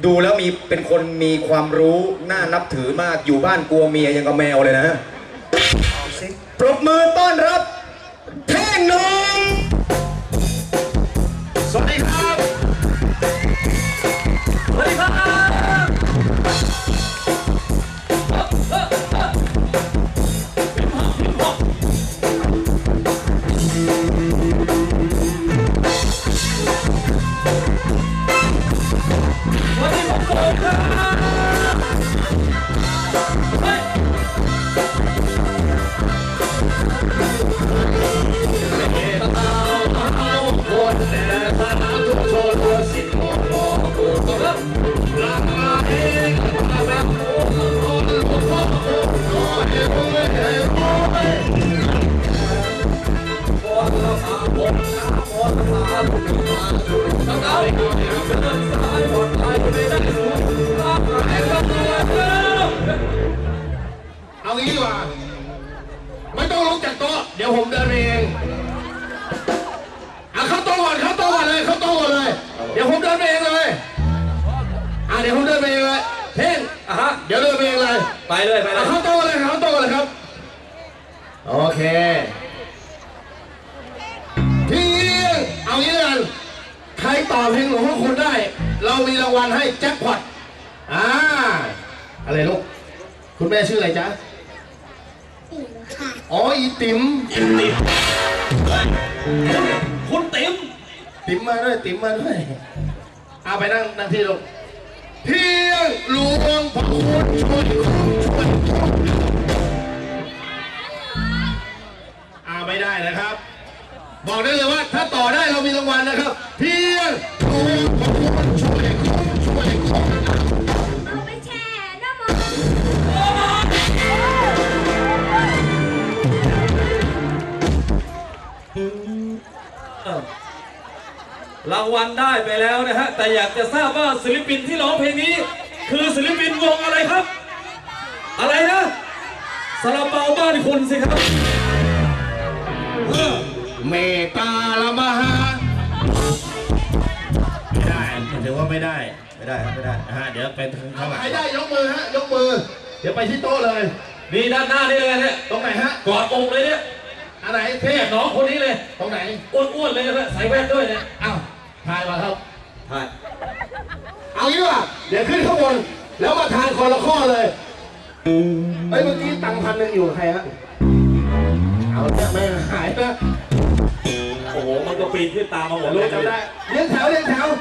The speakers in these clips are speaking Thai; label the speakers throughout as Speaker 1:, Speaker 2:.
Speaker 1: ดูแล้วเป็นคนมีความรู้น่านับถือมากอยู่บ้านกลัวเมียยังกับแมวเลยนะปรบมือต้อนรับเท่งหนุ่มสวัสดีครับ
Speaker 2: สวัสดีครับ
Speaker 3: เอางี้ดีกว่าไม่ต้องลงจากโต๊ะเดี๋ยวผมเดินเองเข้าโต๊ะก่อนเข้าโต๊ะก่อนเลยเข้าโต๊ะก่อนเลยเดี๋ยวผมเดินเองเลยเดี๋ยวผมเดินเองเลยเท่งเดี๋ยวเดินเองเลย
Speaker 2: ไปเลย
Speaker 3: เข้าโต๊ะเลยเข้าโต๊ะเลยครับโอเคทีเอางี้เลยกันใครตอบเพลงหลวงพ่อคุณได้เรามีรางวัลให้แจ็คพอตอะไรลูกคุณแม่ชื่ออะไรจ๊ะ
Speaker 4: ติ๋มค่ะ
Speaker 3: อ๋ออีติ๋ม
Speaker 2: คุณติ๋ม
Speaker 3: มาด้วยติ๋มมาด้วยเอาไปนั่งที่ลูกเพียงหลวงพ่อคุณช่วยไม่ได้นะครับ บอกได้เลยว่าถ้าต่อได้เรามีรางวัลนะครับเพียงหลวงพ่อคุณช่วย
Speaker 4: เอาไปแช่น้ำมัน
Speaker 2: รางวัลได้ไปแล้วนะฮะแต่อยากจะทราบว่าศิลปินที่ร้องเพลงนี้คือศิลปินวงอะไรครับอะไรนะซาลาเปาบ้านคุณสิครับ
Speaker 3: เมตาละมหาไม่ได้ถือว่าไม่ได้ครับไม่ได้เดี๋ยวเป็นข้างหลังใครได้ยกมือฮะยกมือเดี๋ยวไปที่โต๊ะเลย
Speaker 2: นี่ด้านหน้านี่เลยเนี่ย
Speaker 3: ตรงไหนฮะ
Speaker 2: กอดอกเลยเนี่ย
Speaker 3: อันไหนเท่
Speaker 2: น้องคนนี้เลย
Speaker 3: ตรงไหน
Speaker 2: อ้วนๆเลยนะใส่แว่นด้วยเนี่ย
Speaker 3: ทายมาครับ
Speaker 2: ทาย
Speaker 3: เอางี้ว่ะเดี๋ยวขึ้นข้างบนแล้วมาทานคนละข้อเลยเมื่อกี้ตัง1,000อยู่ใครฮะเอาเนี่ยไม่หายนะ
Speaker 2: โอ้โหมันก็ปีนขึ้นตามมาหมด
Speaker 3: รู้จำได้เลี้ยงแถวเลย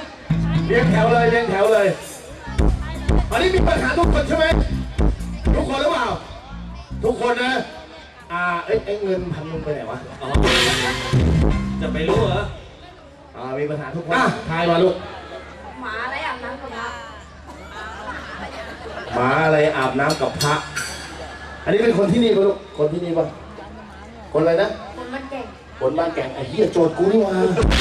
Speaker 3: ตอนนี้มีปัญหาทุกคนใช่ไหมทุกคนหรือเปล่าทุกคนนะเงิน1,000ไปไหนวะ
Speaker 2: จะไปรู้เหรอ
Speaker 3: มีปัญหาทุกคนทายมาลูก
Speaker 4: หมาอะไรอาบน้ำกับพระ
Speaker 3: หมาอะไรอาบน้ำกับพระอันนี้เป็นคนที่นี่ป่ะลูกคนที่นี่ป่ะคนอะไรนะ
Speaker 4: คนบ้านแก่ง
Speaker 3: ไอ้เหี้ยโจทย์กูนี่วะ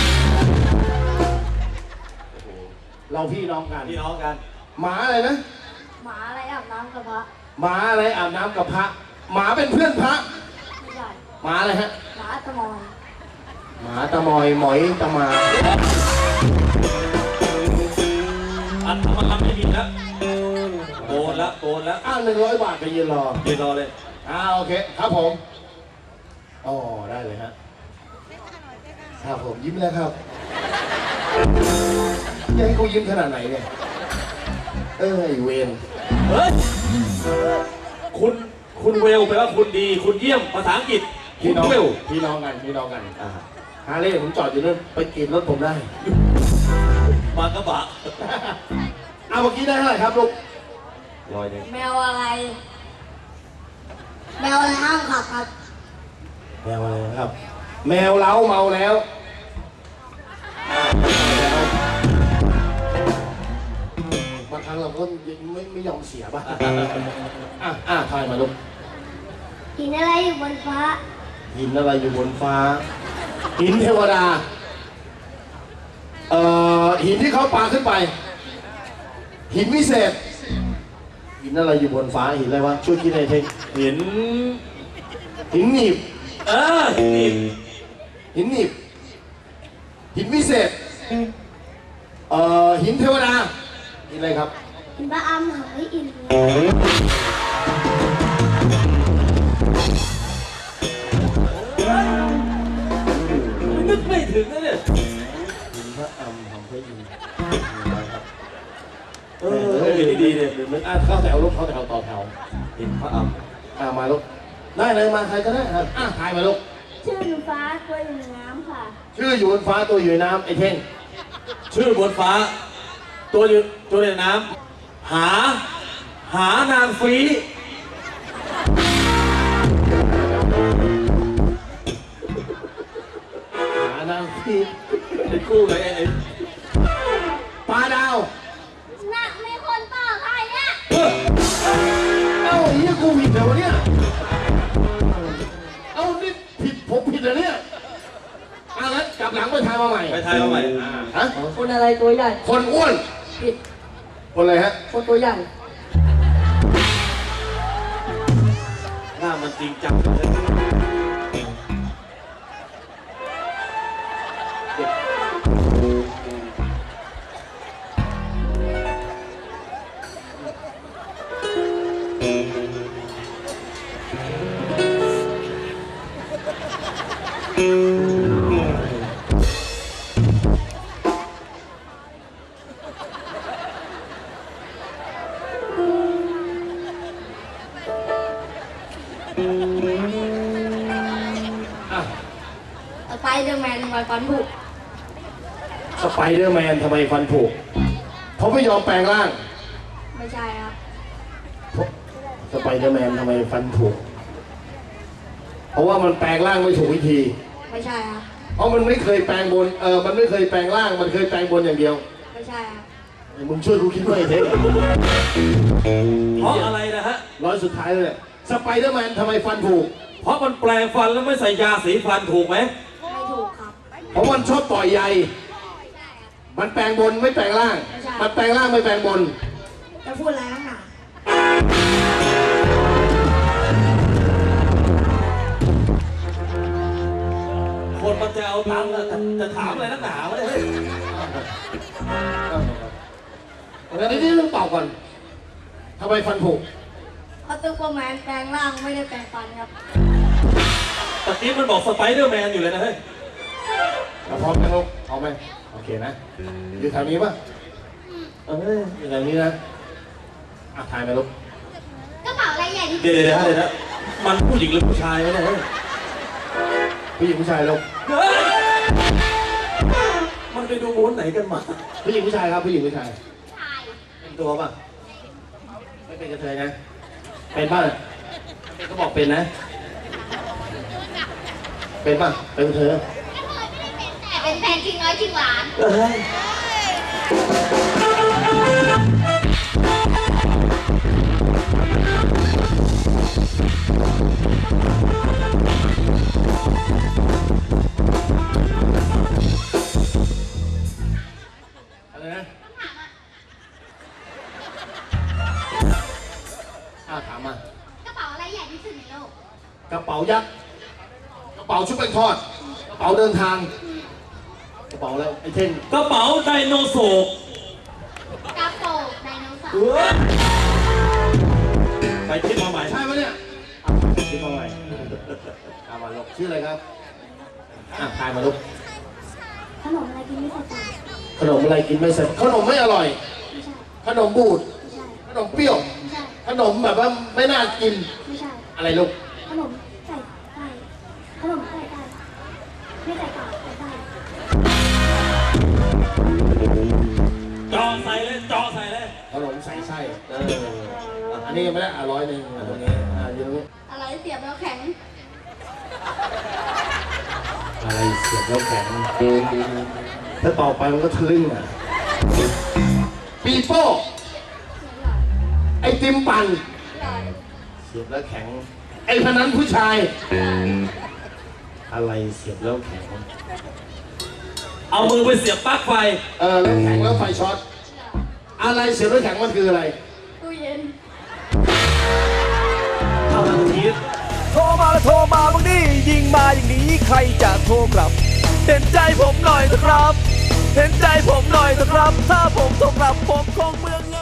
Speaker 3: เราพี่น้องกันหมาอะไรนะ
Speaker 4: หมาอะไรอาบน้ำกับพระ
Speaker 3: หมาอะไรอาบน้ำกับพระหมาเป็นเพื่อนพระ
Speaker 4: ไม่ใช่
Speaker 3: หมาอะไรฮะ
Speaker 4: หมาตะมอย
Speaker 3: หมอยตะมา
Speaker 2: มันทำไม่ดีแล้วโกนแล้ว
Speaker 3: 100 บาทไปยืนรอ
Speaker 2: เลย
Speaker 3: โอเคครับผมได้เลยฮะครับผมยิ้มแล้วครับยังให้กูยิ้มขนาดไหนเนี่ยไอ้เวร
Speaker 2: เฮ้ยคุณเวลแปลว่าคุณดีคุณเยี่ยมภาษาอังกฤษ
Speaker 3: พี่น้องกันฮาเล่ผมจอดอยู่นั่นไปกินรถผมได้
Speaker 2: มากระบะ
Speaker 3: เมื่อกี้ได้เท่าไหร่ครับลูก
Speaker 4: 100แมวอะไรห้ามขับครับ
Speaker 3: แมวอะไรครับแมวเล้าเมาแล้วบางครั้งเราก็ไม่ยอมเสียป่ะทายมาลูก
Speaker 4: หินอะไรอยู่บนฟ้า
Speaker 3: หินเทวดาหินที่เขาปาขึ้นไปหินวิเศษหินอะไรอยู่บนฟ้าหินอะไรวะช่วยคิดหน่อยเถอะ
Speaker 2: หิน
Speaker 3: หนีบหินหนีบหินวิเศษหินเทวดากินอะไรครับ
Speaker 4: กินปลาอ้ำหอยอิ่มเลย
Speaker 2: นึกไม่ถึงนะเนี่ย
Speaker 3: พระอำทำให้ดี
Speaker 2: ดีเนี่ย
Speaker 3: มันเข้าแถวลูกเข้าแถวต่อแถว
Speaker 2: เห็นพระอำ
Speaker 3: มาลูกได้เลยมาใครก็ได้ครับถ่ายมาลูก
Speaker 4: ชื่อหนูฟ้าตัวอยู่ในน้ำค่ะ
Speaker 3: ชื่ออยู่บนฟ้าตัวอยู่ในน้ำไอ้เท่ง
Speaker 2: ชื่อบนฟ้า ตัวในน้ำหานางฟรี
Speaker 3: หานางพี่
Speaker 2: ไอ้กู้ไงไอ้
Speaker 3: ปลาดาว
Speaker 4: น่ะมีคนต่อใครเนี่ย
Speaker 3: เอ้าเฮียกูผิดเหรอวะเนี่ยเอ้านี่ผิดผมผิดเหรอเนี่ยงั้นกลับหลังไปทายมาใหม่
Speaker 2: ไปทายมาใหม่
Speaker 3: ฮะ
Speaker 5: คนอะไรตัวใหญ่
Speaker 3: คนอ้วน
Speaker 5: ผิด
Speaker 3: คนอะไรฮะ
Speaker 5: คนตัวใหญ่
Speaker 2: หน้ามันจริงจังเลย
Speaker 4: สไปเดอร์แมนทำไมฟันผุ
Speaker 3: สไปเดอร์แมนทำไมฟันผุเขาไม่ยอมแปลงร่าง
Speaker 4: ไม่ใช่ครับ
Speaker 3: สไปเดอร์แมนทำไมฟันผุเพราะว่ามันแปลงร่างไม่ถูกวิธี
Speaker 4: ไม่ใช่ครับ
Speaker 3: เพราะมันไม่เคยแปลงบนมันไม่เคยแปลงร่างมันเคยแปลงบนอย่างเดียว
Speaker 4: ไม่ใช่ครับ
Speaker 3: มึงช่วยกูคิดด้วยไอ้เท่ง
Speaker 2: เพราะอะไรนะฮะ
Speaker 3: ร้อยสุดท้ายเลยสไปเดอร์แมนทำไมฟันผุ
Speaker 2: เพราะมันแปลงฟันแล้วไม่ใส่ยาสีฟันถูกไหม
Speaker 4: ไม่ถูกครับ
Speaker 3: เพราะมันชอบต่อยใยมันแปลงบนไม่แปลงร่าง มันแปลงร่างไม่แปลงบน
Speaker 4: จะพูดอะไรนักหนา
Speaker 2: คนมันจะเอาตังค์อะจะถามอะไรนักหนาวะเนี่ย
Speaker 3: งั้นนี่ต้องตอบก่อนทำไมฟันผุ
Speaker 4: เพราะซูเปอร์แมนแปลงร่างไม่ได้แปลงฟันครับ
Speaker 2: ตะกี้มันบอกสไปเดอร์แมนอยู่เลยนะเฮ้ย
Speaker 3: พร้อมไหมลูกพร้อมไหมโอเคนะอยู่แถวนี้ป่ะอยู่แถวนี้นะถ่ายไหมลูก
Speaker 4: กระเป๋าอะไรใหญ่ที่
Speaker 2: เดี๋ยวนะมันผู้หญิงหรือผู้ชายวะเนี่ยเฮ้ย
Speaker 3: ผู้หญิงผู้ชายลูก
Speaker 2: เฮ้ยมันไปดูม้วนไหนกันมา
Speaker 3: ผู้หญิงผู้ชายครับผู้หญิงผู้ชาย
Speaker 4: ถ่าย
Speaker 3: เป็นตัวป่ะไม่เป็นกระเทยนะเป็นป่ะเป็นก็บอกเป็นนะ เป็นป่ะเป็นกระเทย
Speaker 4: แต่เป็นแฟนจริงน้อยจริงหวาน
Speaker 2: เฮ้ย
Speaker 3: อะไรนะถามมาก
Speaker 4: ระเป๋าอะไรใหญ่ที่สุดในโลก
Speaker 3: กระเป๋ายักษ์กระเป๋าชุบแป้งทอดกระเป๋าเดินทางกระเป๋าอะไรไอ้เท่ง
Speaker 2: กระเป๋าไดโนเสาร์
Speaker 4: กระโปรงไดโนเสาร์
Speaker 2: ไปคิดมาใหม่
Speaker 3: ใช่ปะเนี่ยคิดมาใหม่มาลูกชื่ออะไรครับทายมาลูก
Speaker 4: ขนมอะไรกินไม่ใส่ตา
Speaker 3: ขนมอะไรกินไม่เสร็จขนมไม่อร่อย
Speaker 4: ไม่ใช่
Speaker 3: ขนมบูด
Speaker 4: ไม่ใช่
Speaker 3: ขนมเปรี้ยว
Speaker 4: ไม่ใช่
Speaker 3: ขนมแบบว่าไม่น่ากิน
Speaker 4: ไม่ใช่
Speaker 3: อะไรลูก
Speaker 4: ขนมใส่ไก่ขนมใส่ไก่ไม่ใส่ไก่ใส่ไก่
Speaker 2: จอใส่เลยจอใส่เลย
Speaker 3: ขนมใส่ไส้อันนี้ยังไม่ได้100ตรงนี้อยู่ตรงนี้
Speaker 4: อะไรเสียบแล้วแข็ง
Speaker 3: อะไรเสียบแล้วแข็งถ้าต่อไปมันก็ทะลึ่งปีโป้ไอติมปั่นเสียบแล้วแข็งไอพนันผู้ชายอะไรเสียบแล้วแข็ง
Speaker 2: เอามือไปเสียบปลั๊กไฟ
Speaker 3: แล้วแข็งแล้วไฟช็อตอะไรเสียบแล้วแข็งมันคืออะไร
Speaker 4: ตู้เย็น
Speaker 2: เท่าทันที
Speaker 6: โทรมาแล้วโทรมาบางทียิงมาอย่างนี้ใครจะโทรกลับเห็นใจผมหน่อยนะครับเห็นใจผมหน่อยเถอะครับ ถ้าผมตกกลับผมคงเมืองเงิน